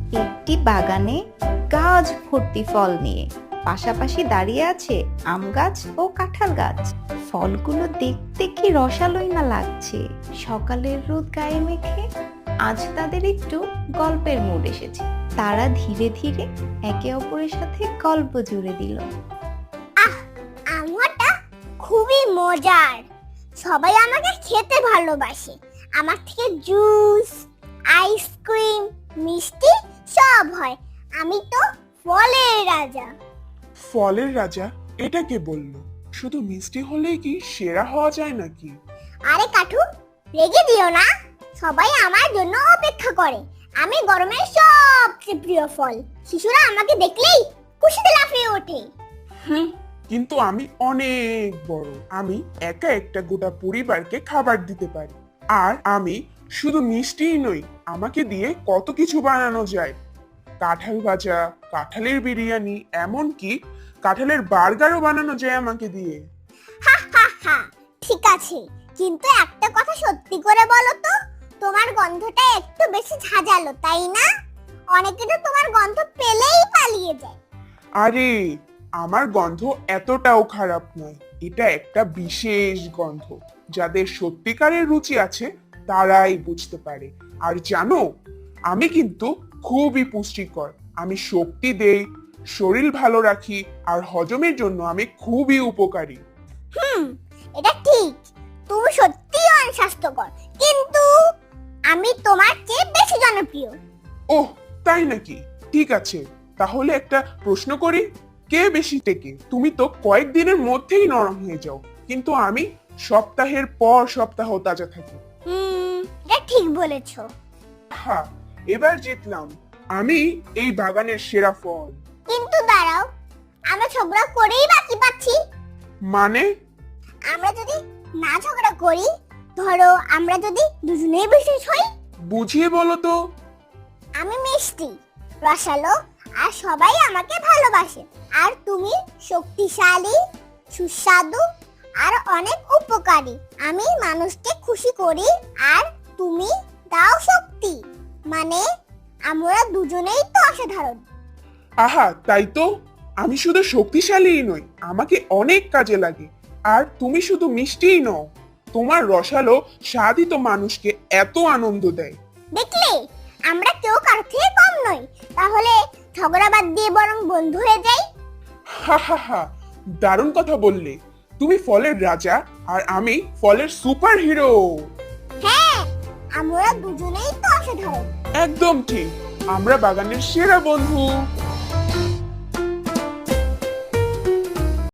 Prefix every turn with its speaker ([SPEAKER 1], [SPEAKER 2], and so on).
[SPEAKER 1] একটি বাগানে গাছ ভর্তি ফল নিয়ে পাশাপাশি দাঁড়িয়ে আছে আম গাছ ও কাঁঠাল গাছ। ফলগুলো দেখতে কি রসালোই না লাগছে। সকালের রোদ গায়ে মেখে আজ তাদের একটু গল্পের মুড এসেছে। তারা ধীরে ধীরে একে অপরের সাথে গল্প জুড়ে দিল।
[SPEAKER 2] আমটা খুবই মজার, সবাই আমাকে খেতে ভালোবাসে। আমার থেকে জুস, আইসক্রিম, মিষ্টি সব হয়। আমি তো ফলের রাজা।
[SPEAKER 3] ফলের রাজা? এটা কে বললো? শুধু মিষ্টি হলেই কি সেরা হওয়া যায় নাকি?
[SPEAKER 2] আরে কাঠু, রেগে দিও না, সবাই আমার জন্য অপেক্ষা করে। আমি গরমের সবচেয়ে প্রিয় ফল। শিশুরা আমাকে দেখলেই খুশিতে লাফিয়ে ওঠে।
[SPEAKER 3] কিন্তু আমি অনেক বড়। আমি একা একটা গোটা পরিবারকে খাবার দিতে পারি। আর আমি শুধু মিষ্টিই নই, আমাকে দিয়ে কত কিছু বানানো যায়। কাঁঠাল ভাজা, কাঁঠালের বিরিয়ানি, এমনকি কাঁঠালের বার্গারও বানানো যায় আমাকে দিয়ে।
[SPEAKER 2] হা, ঠিক আছে, কিন্তু একটা কথা সত্যি করে বলো তো, তোমার গন্ধটা একটু বেশি ঝাঁঝালো, তাই না? অনেকে তো তোমার গন্ধ পেলেই পালিয়ে যায়।
[SPEAKER 3] আরে, আমার গন্ধ এতটাও খারাপ নয়। এটা একটা বিশেষ গন্ধ। যাদের সত্যিকারের রুচি আছে তারাই বুঝতে পারে। আর জানো, আমি কিন্তু খুবই পুষ্টিকর। আমি শক্তি দেই, শরীর ভালো রাখি, আর হজমের জন্য আমি খুবই উপকারী।
[SPEAKER 2] এটা ঠিক, তুমি সত্যিই অনেক স্বাস্থ্যকর, কিন্তু আমি তোমার চেয়ে বেশি জনপ্রিয়।
[SPEAKER 3] ওহ, তাই নাকি? ঠিক আছে, তাহলে একটা প্রশ্ন করি, কে বেশি টেকে? তুমি তো কয়েকদিনের মধ্যেই নরম হয়ে যাও, কিন্তু আমি সপ্তাহের পর সপ্তাহ তাজা থাকি।
[SPEAKER 2] এটা ঠিক বলেছো।
[SPEAKER 3] হ্যাঁ, এবার জিতলাম। আমি এই বাগানের সেরা ফল।
[SPEAKER 2] কিন্তু দাঁড়াও, আমরা ঝগড়া করেই বাকি পাচ্ছি।
[SPEAKER 3] মানে?
[SPEAKER 2] আমরা যদি না ঝগড়া করি, ধরো আমরা যদি দুজনেই বিশেষ হই।
[SPEAKER 3] বুঝিয়ে বলো তো।
[SPEAKER 2] আমি মিষ্টি, রসালো, আর সবাই আমাকে ভালোবাসে। আর তুমি শক্তিশালী, সুস্বাদু, আর অনেক উপকারী। আমি মানুষকে খুশি করি, আর তুমি দাও শক্তি। মানে আমরা দুজনেই তো অসাধারণ।
[SPEAKER 3] আহা, তাই তো। আমি শুধু শক্তিশালীই নই, আমাকে অনেক কাজে লাগে। আর তুমি শুধু মিষ্টিই নও, তোমার রসালো স্বাদই তো মানুষকে এত আনন্দ দেয়।
[SPEAKER 2] দেখলে, আমরা কেউ কারোর থেকে কম নই। তাহলে ঝগড়া বাদ দিয়ে বরং বন্ধু হয়ে যাই।
[SPEAKER 3] হা হা হা, দারুণ কথা বললে। তুমি ফলের রাজা আর আমি ফলের সুপার হিরো।
[SPEAKER 2] হ্যাঁ, আমরা দুজনেই তো অসাধারণ।
[SPEAKER 3] একদম ঠিক, আমরা বাগানের সেরা বন্ধু।